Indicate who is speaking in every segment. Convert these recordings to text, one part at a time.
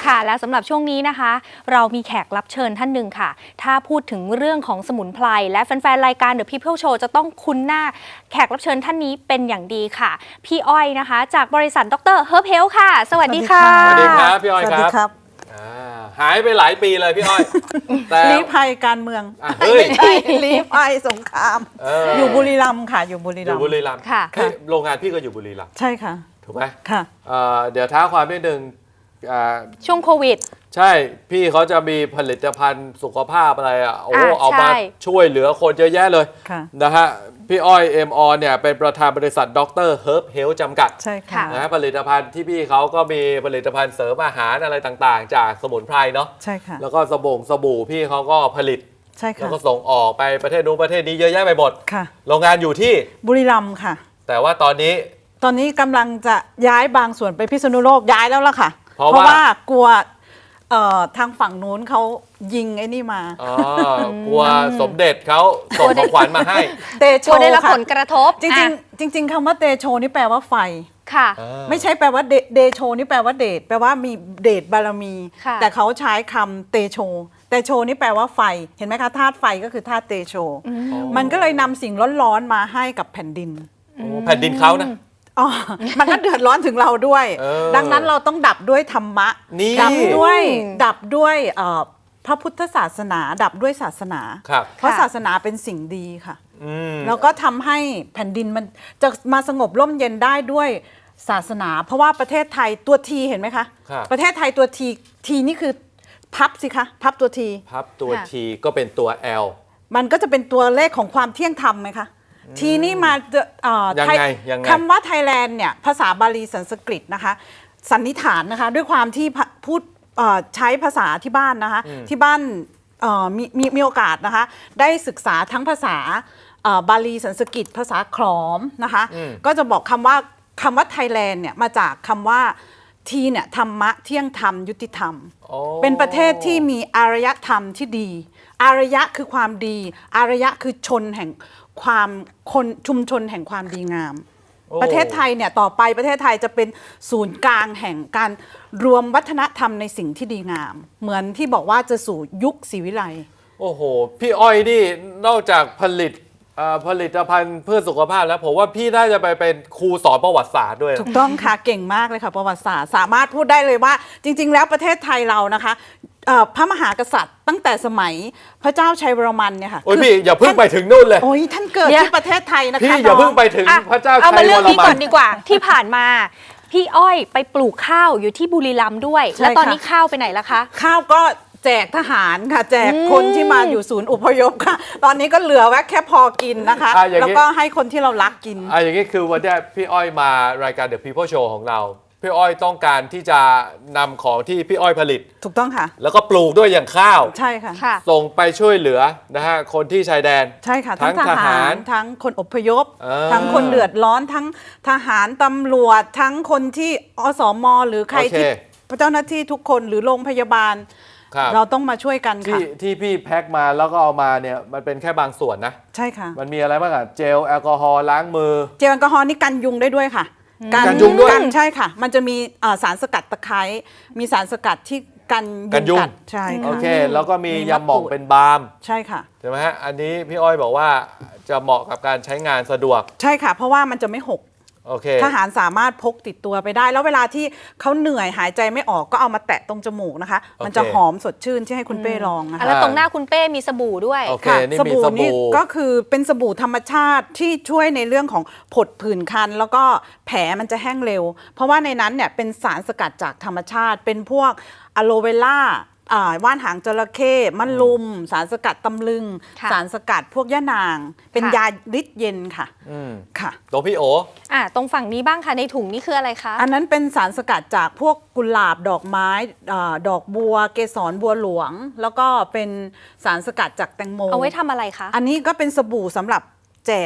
Speaker 1: ค่ะและสำหรับช่วงนี้นะคะเรามีแขกรับเชิญท่านหนึ่งค่ะถ้าพูดถึงเรื่องของสมุนไพรและแฟนๆรายการ The People Show จะต้องคุ้นหน้าแขกรับเชิญท่านนี้เป็นอย่างดีค่ะพี่อ้อยนะคะจากบริษัทดร. Herb Health ค่ะสวัสดีค่ะ
Speaker 2: สวัสดีครับพี่อ้อย
Speaker 3: ครับ
Speaker 2: หายไปหลายปีเลยพี่อ้อยแต่
Speaker 3: ลี้ภัยการเมือง
Speaker 2: ไม่
Speaker 3: ใช่ลี้ภัยสงครามอยู่บุรีรัมย์ค่ะอยู่บุรีรัมย์
Speaker 1: ค่ะ
Speaker 2: โรงงานพี่ก็อยู่บุรีรัมย์
Speaker 3: ใช่ค่ะ
Speaker 2: ถูกไหม
Speaker 3: ค่ะ
Speaker 2: เดี๋ยวท้าความนิดนึง
Speaker 1: ช่วงโควิด
Speaker 2: ใช่พี่เขาจะมีผลิตภัณฑ์สุขภาพอะไรเอามาช่วยเหลือคนเยอะแยะเลยนะฮะพี่อ้อยเอ็มออนเนี่ยเป็นประธานบริษัทดร. Herb Health จำกัด
Speaker 3: ใช่ค่ะ
Speaker 2: นะผลิตภัณฑ์ที่พี่เขาก็มีผลิตภัณฑ์เสริมอาหารอะไรต่างๆจากสมุนไพรเนาะ
Speaker 3: ใช่ค่ะ
Speaker 2: แล้วก็สบู่พี่เขาก็ผลิต
Speaker 3: ใช่ค่ะ
Speaker 2: แล้วก็ส่งออกไปประเทศนู้นประเทศนี้เยอะแยะไปหมด
Speaker 3: ค่ะ
Speaker 2: โรงงานอยู่ที่
Speaker 3: บุรีรัมย์ค่ะ
Speaker 2: แต่ว่าตอนนี้
Speaker 3: กำลังจะย้ายบางส่วนไปพิษณุโลกย้ายแล้วล่ะค่ะเพราะว่ากลัวทางฝั่งนู้นเขายิงไอ้นี่ม
Speaker 2: ากลัวสมเด็จเขาส่งของขวัญมาให้
Speaker 3: เตโช
Speaker 1: ได้รับผลกระทบ
Speaker 3: จริงคำว่าเตโชนี่แปลว่าไฟ
Speaker 1: ค่ะ
Speaker 3: ไม่ใช่แปลว่าเดโชนี่แปลว่าเดชแปลว่ามีเดชบารมีแต่เขาใช้คำเตโชนี่แปลว่าไฟเห็นไหมคะธาตุไฟก็คือธาตุเตโชมันก็เลยนำสิ่งร้อนๆมาให้กับแผ่นดิน
Speaker 2: แผ่นดินเขานะ
Speaker 3: มันก็เดือดร้อนถึงเราด้วยดังนั้นเราต้องดับด้วยธรรมะดับด้วยพระพุทธศาสนาดับด้วยศาสนาเพราะศาสนาเป็นสิ่งดีค่ะแล้วก็ทำให้แผ่นดินมันจะมาสงบร่มเย็นได้ด้วยศาสนาเพราะว่าประเทศไทยตัวทีเห็นไหมคะประเทศไทยตัวทีนี่คือพับสิคะพับตัวที
Speaker 2: ก็เป็นตัว L
Speaker 3: มันก็จะเป็นตัวเลขของความเที่ยงธรรมไหมคะทีนี้มา
Speaker 2: ยังไง
Speaker 3: คำว่าไทยแลนด์เนี่ยภาษาบาลีสันสกฤตนะคะสันนิษฐานนะคะด้วยความที่พูดใช้ภาษาที่บ้านนะคะที่บ้านมีโอกาสนะคะได้ศึกษาทั้งภาษาบาลีสันสกฤตภาษาขอมนะคะก็จะบอกคำว่าไทยแลนด์เนี่ยมาจากคำว่าทีเนี่ยธรรมะเที่ยงธรรมยุติธรรมเป็นประเทศที่มีอารยธรรมที่ดีอารยะคือความดีอารยะคือชนแห่งความชุมชนแห่งความดีงามประเทศไทยเนี่ยต่อไปประเทศไทยจะเป็นศูนย์กลางแห่งการรวมวัฒนธรรมในสิ่งที่ดีงามเหมือนที่บอกว่าจะสู่ยุคศรีวิไล
Speaker 2: โอ้โหพี่อ้อยนี่นอกจากผลิตภัณฑ์เพื่อสุขภาพแล้วผมว่าพี่น่าจะไปเป็นครูสอนประวัติศาสตร์ด้วย
Speaker 3: ถูกต้องค่ะเก่งมากเลยค่ะประวัติศาสตร์สามารถพูดได้เลยว่าจริงๆแล้วประเทศไทยเรานะคะพระมหากษัตริย์ตั้งแต่สมัยพระเจ้าชัยวรมันเนี่ยค่ะ
Speaker 2: โอ้ยพี่อย่าเพิ่งไปถึงนู่นเลย
Speaker 3: โอ้ยท่านเกิดที่ประเทศไทยนะคะ
Speaker 2: พี่อย่าเพิ่งไปถึงพระเจ้าชัยวรมัน
Speaker 1: เอามาเรื่องนี้ก่อนดีกว่าที่ผ่านมาพี่อ้อยไปปลูกข้าวอยู่ที่บุรีรัมย์ด้วยแล้วตอนนี้ข้าวไปไหนล่ะคะ
Speaker 3: ข้าวก็แจกทหารค่ะแจกคนที่มาอยู่ศูนย์อพยพค่ะตอนนี้ก็เหลือไว้แค่พอกินนะคะแล้วก็ให้คนที่เรารักกิน
Speaker 2: อย่างนี้คือวันนี้พี่อ้อยมารายการ The People Show ของเราพี่อ้อยต้องการที่จะนำของที่พี่อ้อยผลิต
Speaker 3: ถูกต้องค่ะ
Speaker 2: แล้วก็ปลูกด้วยอย่างข้าว
Speaker 3: ใช่ค่ะ
Speaker 2: ส่งไปช่วยเหลือนะฮะคนที่ชายแดน
Speaker 3: ใช่ค่ะทั้งทหารทั้งคนอพยพทั้งคนเดือดร้อนทั้งทหารตำรวจทั้งคนที่อสม.หรือใครที่เจ้าหน้าที่ทุกคนหรือโรงพยาบาลเราต้องมาช่วยกันค่ะ
Speaker 2: ที่พี่แพ็คมาแล้วก็เอามาเนี่ยมันเป็นแค่บางส่วนนะ
Speaker 3: ใช่ค่ะ
Speaker 2: มันมีอะไรบ้างอะเจลแอลกอฮอล์ล้างมือ
Speaker 3: เจลแอลกอฮอล์นี่กันยุงได้ด้วยค่ะ
Speaker 2: กันยุงด้วย
Speaker 3: ใช่ค่ะมันจะมีสารสกัดตะไคร้มีสารสกัดที่กันยุงกัดใช่ค่ะ
Speaker 2: โอเคแล้วก็มียาหม่องเป็นบาล์ม
Speaker 3: ใช่ค่ะ
Speaker 2: ใช่ไหมฮะอันนี้พี่อ้อยบอกว่าจะเหมาะกับการใช้งานสะดวก
Speaker 3: ใช่ค่ะเพราะว่ามันจะไม่หกทหารสามารถพกติดตัวไปได้แล้วเวลาที่เขาเหนื่อยหายใจไม่ออกก็เอามาแตะตรงจมูกนะคะมันจะหอมสดชื่นที่ให้คุณเป้ลองนะคะ
Speaker 1: แล้วตรงหน้าคุณเป้มีสบู่ด้วย
Speaker 3: ค่ะสบู่นี่ก็คือเป็นสบู่ธรรมชาติที่ช่วยในเรื่องของผดผื่นคันแล้วก็แผลมันจะแห้งเร็วเพราะว่าในนั้นเนี่ยเป็นสารสกัดจากธรรมชาติเป็นพวกอะโลเวล่าว่านหางจระเข้มะลุมสารสกัดตำลึงสารสกัดพวกย่านางเป็นยาฤทธิ์เย็นค่ะ
Speaker 2: ค่ะตัวพี่โอ
Speaker 1: ตรงฝั่งนี้บ้างค่ะในถุงนี่คืออะไรคะ
Speaker 3: อันนั้นเป็นสารสกัดจากพวกกุหลาบดอกไม้ดอกบัวเกสรบัวหลวงแล้วก็เป็นสารสกัดจากแตงโม
Speaker 1: เอาไว้ทำอะไรคะ
Speaker 3: อันนี้ก็เป็นสบู่สำหรับแจก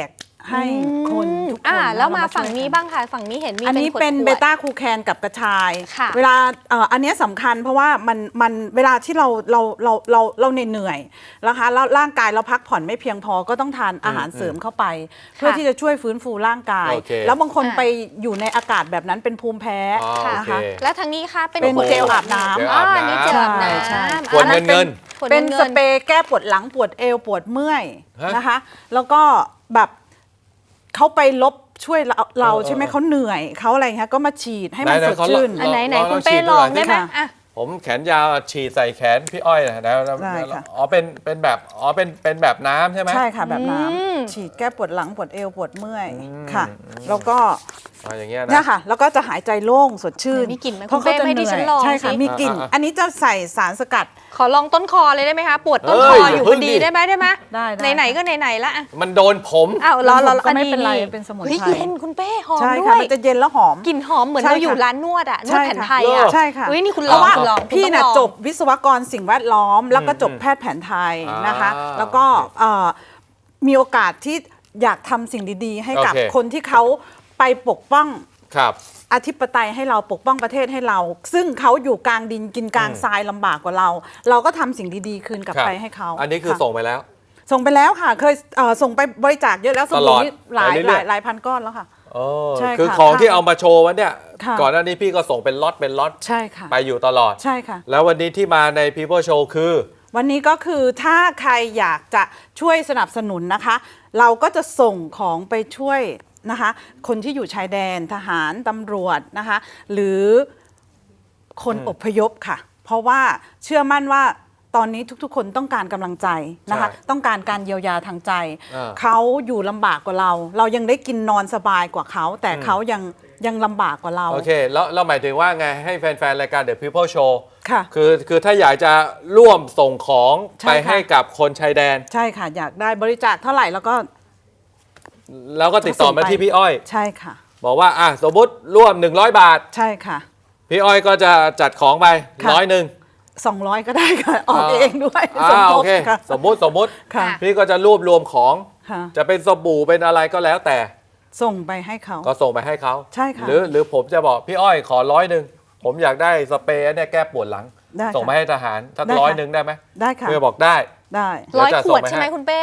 Speaker 3: ให้คนทุกคน
Speaker 1: แล้วมาฝั่ง
Speaker 3: ช่วย
Speaker 1: นี้
Speaker 3: กั
Speaker 1: บ้างค่ะ ฝั่งนี้เห็นมี
Speaker 3: อันนี้เป็น
Speaker 1: ขวดๆ
Speaker 3: เบต้าคูแคนกับกระชาย
Speaker 1: ค่ะ
Speaker 3: เวลาอันเนี้ยสำคัญเพราะว่ามันเวลาที่เราเหนื่อยนะคะแล้วร่างกายเราพักผ่อนไม่เพียงพอก็ต้องทานอาหารเสริมเข้าไป เพื่อที่จะช่วยฟื้นฟูร่างกาย
Speaker 2: โอเค
Speaker 3: แล้วบางคนไปอยู่ในอากาศแบบนั้นเป็นภูมิแพ้
Speaker 2: อ๋อ
Speaker 3: นะคะ
Speaker 2: โอเค
Speaker 1: แล้วทางนี้ค่ะเป็น
Speaker 3: เป็น
Speaker 1: ขวด
Speaker 3: เจลอาบน้ำ
Speaker 2: เจลอาบน้ำ
Speaker 1: อันนี้เจลอาบน้
Speaker 3: ใช่
Speaker 1: ำ
Speaker 2: ขวดเงิน
Speaker 1: ขวด
Speaker 3: เป็น
Speaker 1: งิ
Speaker 3: สเปรย์แก้ปวดหลังปวดเอวปวดเมื่อย
Speaker 2: ฮะ
Speaker 3: นะคะ แล้วก็แบบเขาไปลบช่วยเรา
Speaker 2: เออ
Speaker 3: ใช่ไหมเขาเหนื่อยเขาอะไรเงี้ยก็มาฉีดให้มัน
Speaker 2: ไหน
Speaker 3: ส
Speaker 2: ๆ
Speaker 3: ด
Speaker 2: เขา
Speaker 3: ชื่น
Speaker 2: ล
Speaker 1: อันไหน
Speaker 2: ลอง
Speaker 1: คุณ
Speaker 2: ฉี
Speaker 1: เป้
Speaker 2: ดดู
Speaker 1: ล
Speaker 2: หน่
Speaker 1: อ
Speaker 2: อง ย
Speaker 1: ได้ไหม
Speaker 3: ค่ะ
Speaker 1: อ่ะ
Speaker 2: ผมแขนยาวฉีดใส่แขนพี่อ้อยนะแล้ว
Speaker 3: ได้ค่ะ
Speaker 2: อ๋อเป็นแบบน้ำใช่ไหม
Speaker 3: ใช่ค่ะแบบน้
Speaker 1: อืม
Speaker 3: ำฉีดแก้ปวดหลังปวดเอวปวดเมื่อยค่ะ แล้วก็
Speaker 2: อ๋ออย่างเงี้ย
Speaker 3: เนี่ย
Speaker 2: นะ
Speaker 3: ค่ะ แล้วก็จะหายใจโล่งสดชื่น
Speaker 1: มีกลิ่นไหม
Speaker 3: เพราะ
Speaker 1: คุณเป้
Speaker 3: เขาจะ
Speaker 1: ให้
Speaker 3: เห
Speaker 1: ดิ
Speaker 3: นื่
Speaker 1: ฉั
Speaker 3: อน ย
Speaker 1: ลอง
Speaker 3: ใช่ค่ะ
Speaker 1: สิ
Speaker 3: มีกลิ่น อันนี้จะใส่สารสกัด
Speaker 1: ขอลองต้นคอเลยได้ไหมคะ ปวดต้นคออยู่พอดีได้ไหม
Speaker 3: ได้
Speaker 1: ไหนๆก็ไหนๆละอ่ะ
Speaker 2: มันโดนผม
Speaker 1: อ้าวรอ
Speaker 3: ก็ไม่เป็นไรเป็นสมุนไพร
Speaker 1: เฮ้ยเย็นคุณเป้หอม
Speaker 3: ใช่
Speaker 1: ด้
Speaker 3: ค่ะ
Speaker 1: วย
Speaker 3: มันจะเย็นแล้วหอม
Speaker 1: กลิ่นหอมเหมือน
Speaker 3: ใช่
Speaker 1: เราอยู่
Speaker 3: ค่ะ
Speaker 1: ร้านนวดอะนวด
Speaker 3: ใช่
Speaker 1: แผน
Speaker 3: ค่ะ
Speaker 1: ไทยอะ
Speaker 3: ใช่ค่ะ
Speaker 1: เฮ้ยนี่คุณ
Speaker 3: เพ
Speaker 1: ลอง
Speaker 3: ราะว่า
Speaker 1: คุณลอง
Speaker 3: พี่
Speaker 1: คุณ
Speaker 3: น่ะ
Speaker 1: ต้องลอง
Speaker 3: จบวิศวกรสิ่งแวดล้อม แล้วก็จบแพทย์แผนไทยนะคะ แล้วก็มีโอกาสที่อยากทำสิ่งดีๆ ให้กับ
Speaker 2: โอเค
Speaker 3: คนที่เขาไปปกป้อง
Speaker 2: ครับ
Speaker 3: อธิปไตยให้เราปกป้องประเทศให้เรา ซึ่งเขาอยู่กลางดินกินกลางทรายลำบากกว่าเรา เราก็ทำสิ่งดีๆคืนกลับ
Speaker 2: ครับ
Speaker 3: ไปให้เขา
Speaker 2: อันนี้คือ
Speaker 3: ค่ะ
Speaker 2: ส่งไปแล้ว
Speaker 3: ส่งไปแล้วค่ะ เคยส่งไปบริจาคเยอะแล้วส
Speaker 2: ตล
Speaker 3: บู่
Speaker 2: อด
Speaker 3: นี่หลาย
Speaker 2: ไปเรื่อยๆ
Speaker 3: หลายพันก้อนแล้วค่ะ
Speaker 2: โอ้
Speaker 3: ใช่ค่ะ
Speaker 2: คือของที่เอามาโชว์วันเนี้ย
Speaker 3: ค่ะ
Speaker 2: ก่อนหน้านี้พี่ก็ส่งเป็นล็อต
Speaker 3: ใช่ค่ะ
Speaker 2: ไปอยู่ตลอด
Speaker 3: ใช่ค่ะ
Speaker 2: แล้ววันนี้ที่มาใน People Show คือ
Speaker 3: วันนี้ก็คือถ้าใครอยากจะช่วยสนับสนุนนะคะ เราก็จะส่งของไปช่วยนะคะ คนที่อยู่ชายแดนทหารตำรวจนะคะ หรือคนอพยพค่ะ เพราะว่าเชื่อมั่นว่าตอนนี้ทุกๆ คนต้องการกำลังใจนะคะ
Speaker 2: ใช่
Speaker 3: ต้องการการเยียวยาทางใจ
Speaker 2: อ่า
Speaker 3: เขาอยู่ลำบากกว่าเรา เรายังได้กินนอนสบายกว่าเขา แต่เขายังลำบากกว่าเรา
Speaker 2: โอเค แล้วหมายถึงว่าไงให้แฟนๆ รายการ The People Show
Speaker 3: ค่ะ
Speaker 2: คือถ้าอยากจะร่วมส่งของ
Speaker 3: ใช่
Speaker 2: ไป
Speaker 3: ค่ะ
Speaker 2: ให้กับคนชายแดน
Speaker 3: ใช่ค่ะ อยากได้บริจาคเท่าไหร่แล้วก็
Speaker 2: แล้วก็ติดต่อมาที่พี่อ้อย
Speaker 3: ใช่ค่ะ
Speaker 2: บอกว่าสมมติร่วม 100 บาท
Speaker 3: ใช่ค่ะ
Speaker 2: พี่อ้อยก็จะจัดของไป
Speaker 3: ค่ะ
Speaker 2: 100
Speaker 3: 200 ก็ได้ค่ะ ออกเองด้วยสมท
Speaker 2: โอบ เค
Speaker 3: ค่ะ
Speaker 2: สมมติ
Speaker 3: ค่ะ
Speaker 2: พี่ก็จะรวบรวมของ
Speaker 3: ค่ะ
Speaker 2: จะเป็นสบู่เป็นอะไรก็แล้วแต่
Speaker 3: ส่งไปให้เขา
Speaker 2: ก็ส่งไปให้เขา
Speaker 3: ใช่ค่ะ
Speaker 2: หรือผมจะบอกพี่อ้อยขอ100ผมอยากได้สเปรย์เนี่ยแก้ปวดหลัง
Speaker 3: ได้ค่ะ
Speaker 2: ส่งมาให้ทหารสัก
Speaker 3: ได้ค่ะ
Speaker 2: 100ได้ไหม
Speaker 3: ได้ค่ะ
Speaker 2: เพื่อบอกได้
Speaker 3: ได้
Speaker 2: เดี๋ยว
Speaker 1: 100
Speaker 2: จะ
Speaker 1: ข
Speaker 2: ส่ง
Speaker 1: วด
Speaker 2: ไปให้
Speaker 1: ใช่ไหมคุณเป้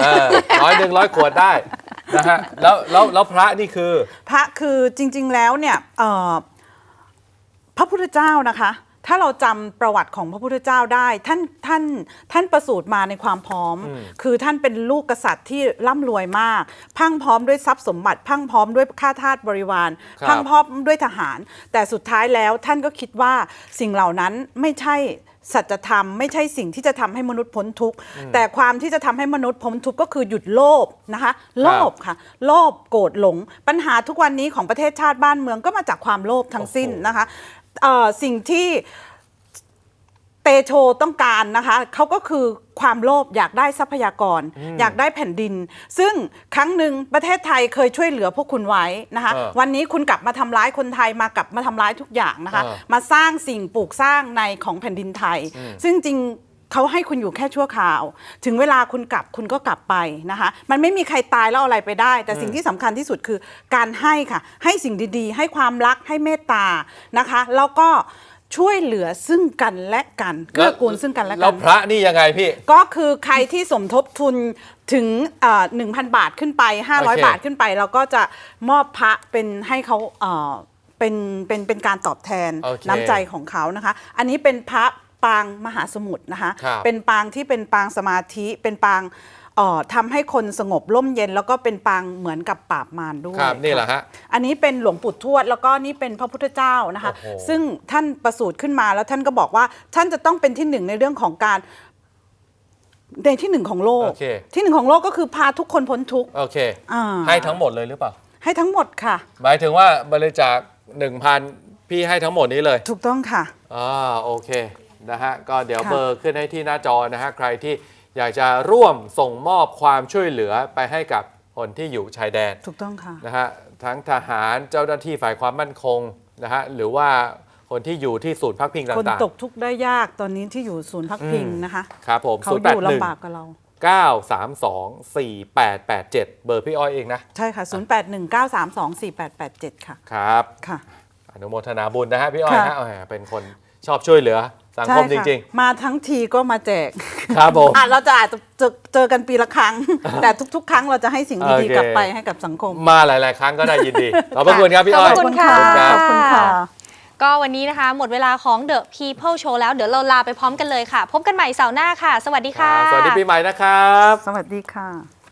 Speaker 2: 100 ขวดได้นะฮะแล้วพระนี่คือ
Speaker 3: พระคือจริง ๆ แล้วเนี่ยพระพุทธเจ้านะคะ ถ้าเราจำประวัติของพระพุทธเจ้าได้ท่านประสูติมาในความพร้อม คือท่านเป็นลูกกษัตริย์ที่ร่ำรวยมาก พังพร้อมด้วยทรัพย์สมบัติ พังพร้อมด้วยข้าทาสบริวาร
Speaker 2: ครับ
Speaker 3: พังพร้อมด้วยทหาร แต่สุดท้ายแล้วท่านก็คิดว่าสิ่งเหล่านั้นไม่ใช่สัจธรรมไม่ใช่สิ่งที่จะทำให้มนุษย์พ้นทุกข์แต่ความที่จะทำให้มนุษย์พ้นทุกข์ก็คือหยุดโลภนะคะโลภค่ะโลภโกรธหลง ปัญหาทุกวันนี้ของประเทศชาติบ้านเมืองก็มาจากความโลภทั้งสิ้นนะคะสิ่งที่เตโชต้องการนะคะเขาก็คือความโลภอยากได้ทรัพยากร อยากได้แผ่นดิน ซึ่งครั้งหนึ่งประเทศไทยเคยช่วยเหลือพวกคุณไว้นะคะ วันนี้คุณกลับมาทำร้ายคนไทยมากลับมาทำร้ายทุกอย่างนะคะ มาสร้างสิ่งปลูกสร้างในของแผ่นดินไทย ซึ่งจริงเขาให้คุณอยู่แค่ชั่วคราว ถึงเวลาคุณกลับคุณก็กลับไปนะคะมันไม่มีใครตายแล้วเอาอะไรไปได้ แต่สิ่งที่สำคัญที่สุดคือการให้ค่ะให้สิ่งดีๆ ให้ความรักให้เมตตานะคะแล้วก็ช่วยเหลือซึ่งกันและกันเกื้อกูลซึ่งกันและ
Speaker 2: แล้
Speaker 3: กั
Speaker 2: วน พระนี่ยังไงพี่
Speaker 3: ก็คือใครที่สมทบทุนถึง1,000 บาทขึ้นไป
Speaker 2: โอเค
Speaker 3: 500 บาทขึ้นไป เราก็จะมอบพระเป็นให้เขาเป็นการตอบแทน
Speaker 2: โอเค
Speaker 3: น้ำใจของเขานะคะ อันนี้เป็นพระปางมหาสมุทรนะคะ
Speaker 2: ครับ
Speaker 3: เป็นปางที่เป็นปางสมาธิเป็นปางทำให้คนสงบร่มเย็น แล้วก็เป็นปางเหมือนกับปราบมารด้วย
Speaker 2: ครับนี่แหละฮะ
Speaker 3: อันนี้เป็นหลวงปู่ทวดแล้วก็นี่เป็นพระพุทธเจ้านะคะ
Speaker 2: โอ้โห
Speaker 3: ซึ่งท่านประสูติขึ้นมาแล้วท่านก็บอกว่าท่านจะต้องเป็นที่หนึ่งในเรื่องของการในที่หนึ่งของโลก
Speaker 2: โอเค
Speaker 3: ที่หนึ่งของโลกก็คือพาทุกคนพ้นทุกข์
Speaker 2: โอเค
Speaker 3: อ่า
Speaker 2: ให้ทั้งหมดเลยหรือเปล่า
Speaker 3: ให้ทั้งหมดค่ะ
Speaker 2: หมายถึงว่าบริจาค 1,000 พี่ให้ทั้งหมดนี้เลย
Speaker 3: ถูกต้องค่ะ
Speaker 2: โอเคนะฮะก็เดี๋ยว
Speaker 3: ค่ะ
Speaker 2: เบอร์ขึ้นให้ที่หน้าจอนะฮะใครที่อยากจะร่วมส่งมอบความช่วยเหลือไปให้กับคนที่อยู่ชายแดน
Speaker 3: ถูกต้องค่ะ
Speaker 2: นะฮะทั้งทหารเจ้าหน้าที่ฝ่ายความมั่นคงนะฮะหรือว่าคนที่อยู่ที่ศูนย์พักพิง
Speaker 3: คน
Speaker 2: ต่าง
Speaker 3: ตกทุกข์ได้ยากตอนนี้ที่อยู่ศูนย์พักพิงนะคะ
Speaker 2: ๆครับผม
Speaker 3: เขาอยู่ลำบากกับเรา
Speaker 2: เบอร์พี่อ้อยเองนะ
Speaker 3: ใช่ค่ะ 0819324887 ค่ะ
Speaker 2: ครับ
Speaker 3: ค่ะ
Speaker 2: อนุโมทนาบุญนะฮะพี่อ้อย
Speaker 3: ค่ะ
Speaker 2: ฮะเป็นคนชอบช่วยเหลือสังคมจริง
Speaker 3: มาทั้งทีก็มาแจก
Speaker 2: ๆ ครับผม
Speaker 3: เราอาจจะเจอกันปีละครั้ง แต่ทุกๆ ครั้งเราจะให้สิ่งดีๆกลับไปให้กับสังคม
Speaker 2: มาหลายๆ ครั้งก็ได้ยินดี ขอบพระคุณครับพี่อ้อย
Speaker 1: ขอบคุณค่ะ
Speaker 3: ขอบคุณค่ะ
Speaker 1: ก็วันนี้นะคะ หมดเวลาของ The People Show แล้วเดี๋ยวเราลาไปพร้อมกันเลยค่ะ พบกันใหม่เสาร์หน้าค่ะ สวัสดีค่ะ
Speaker 2: สวัสดีปีใหม่นะครับ
Speaker 3: สวัสดีค่ะ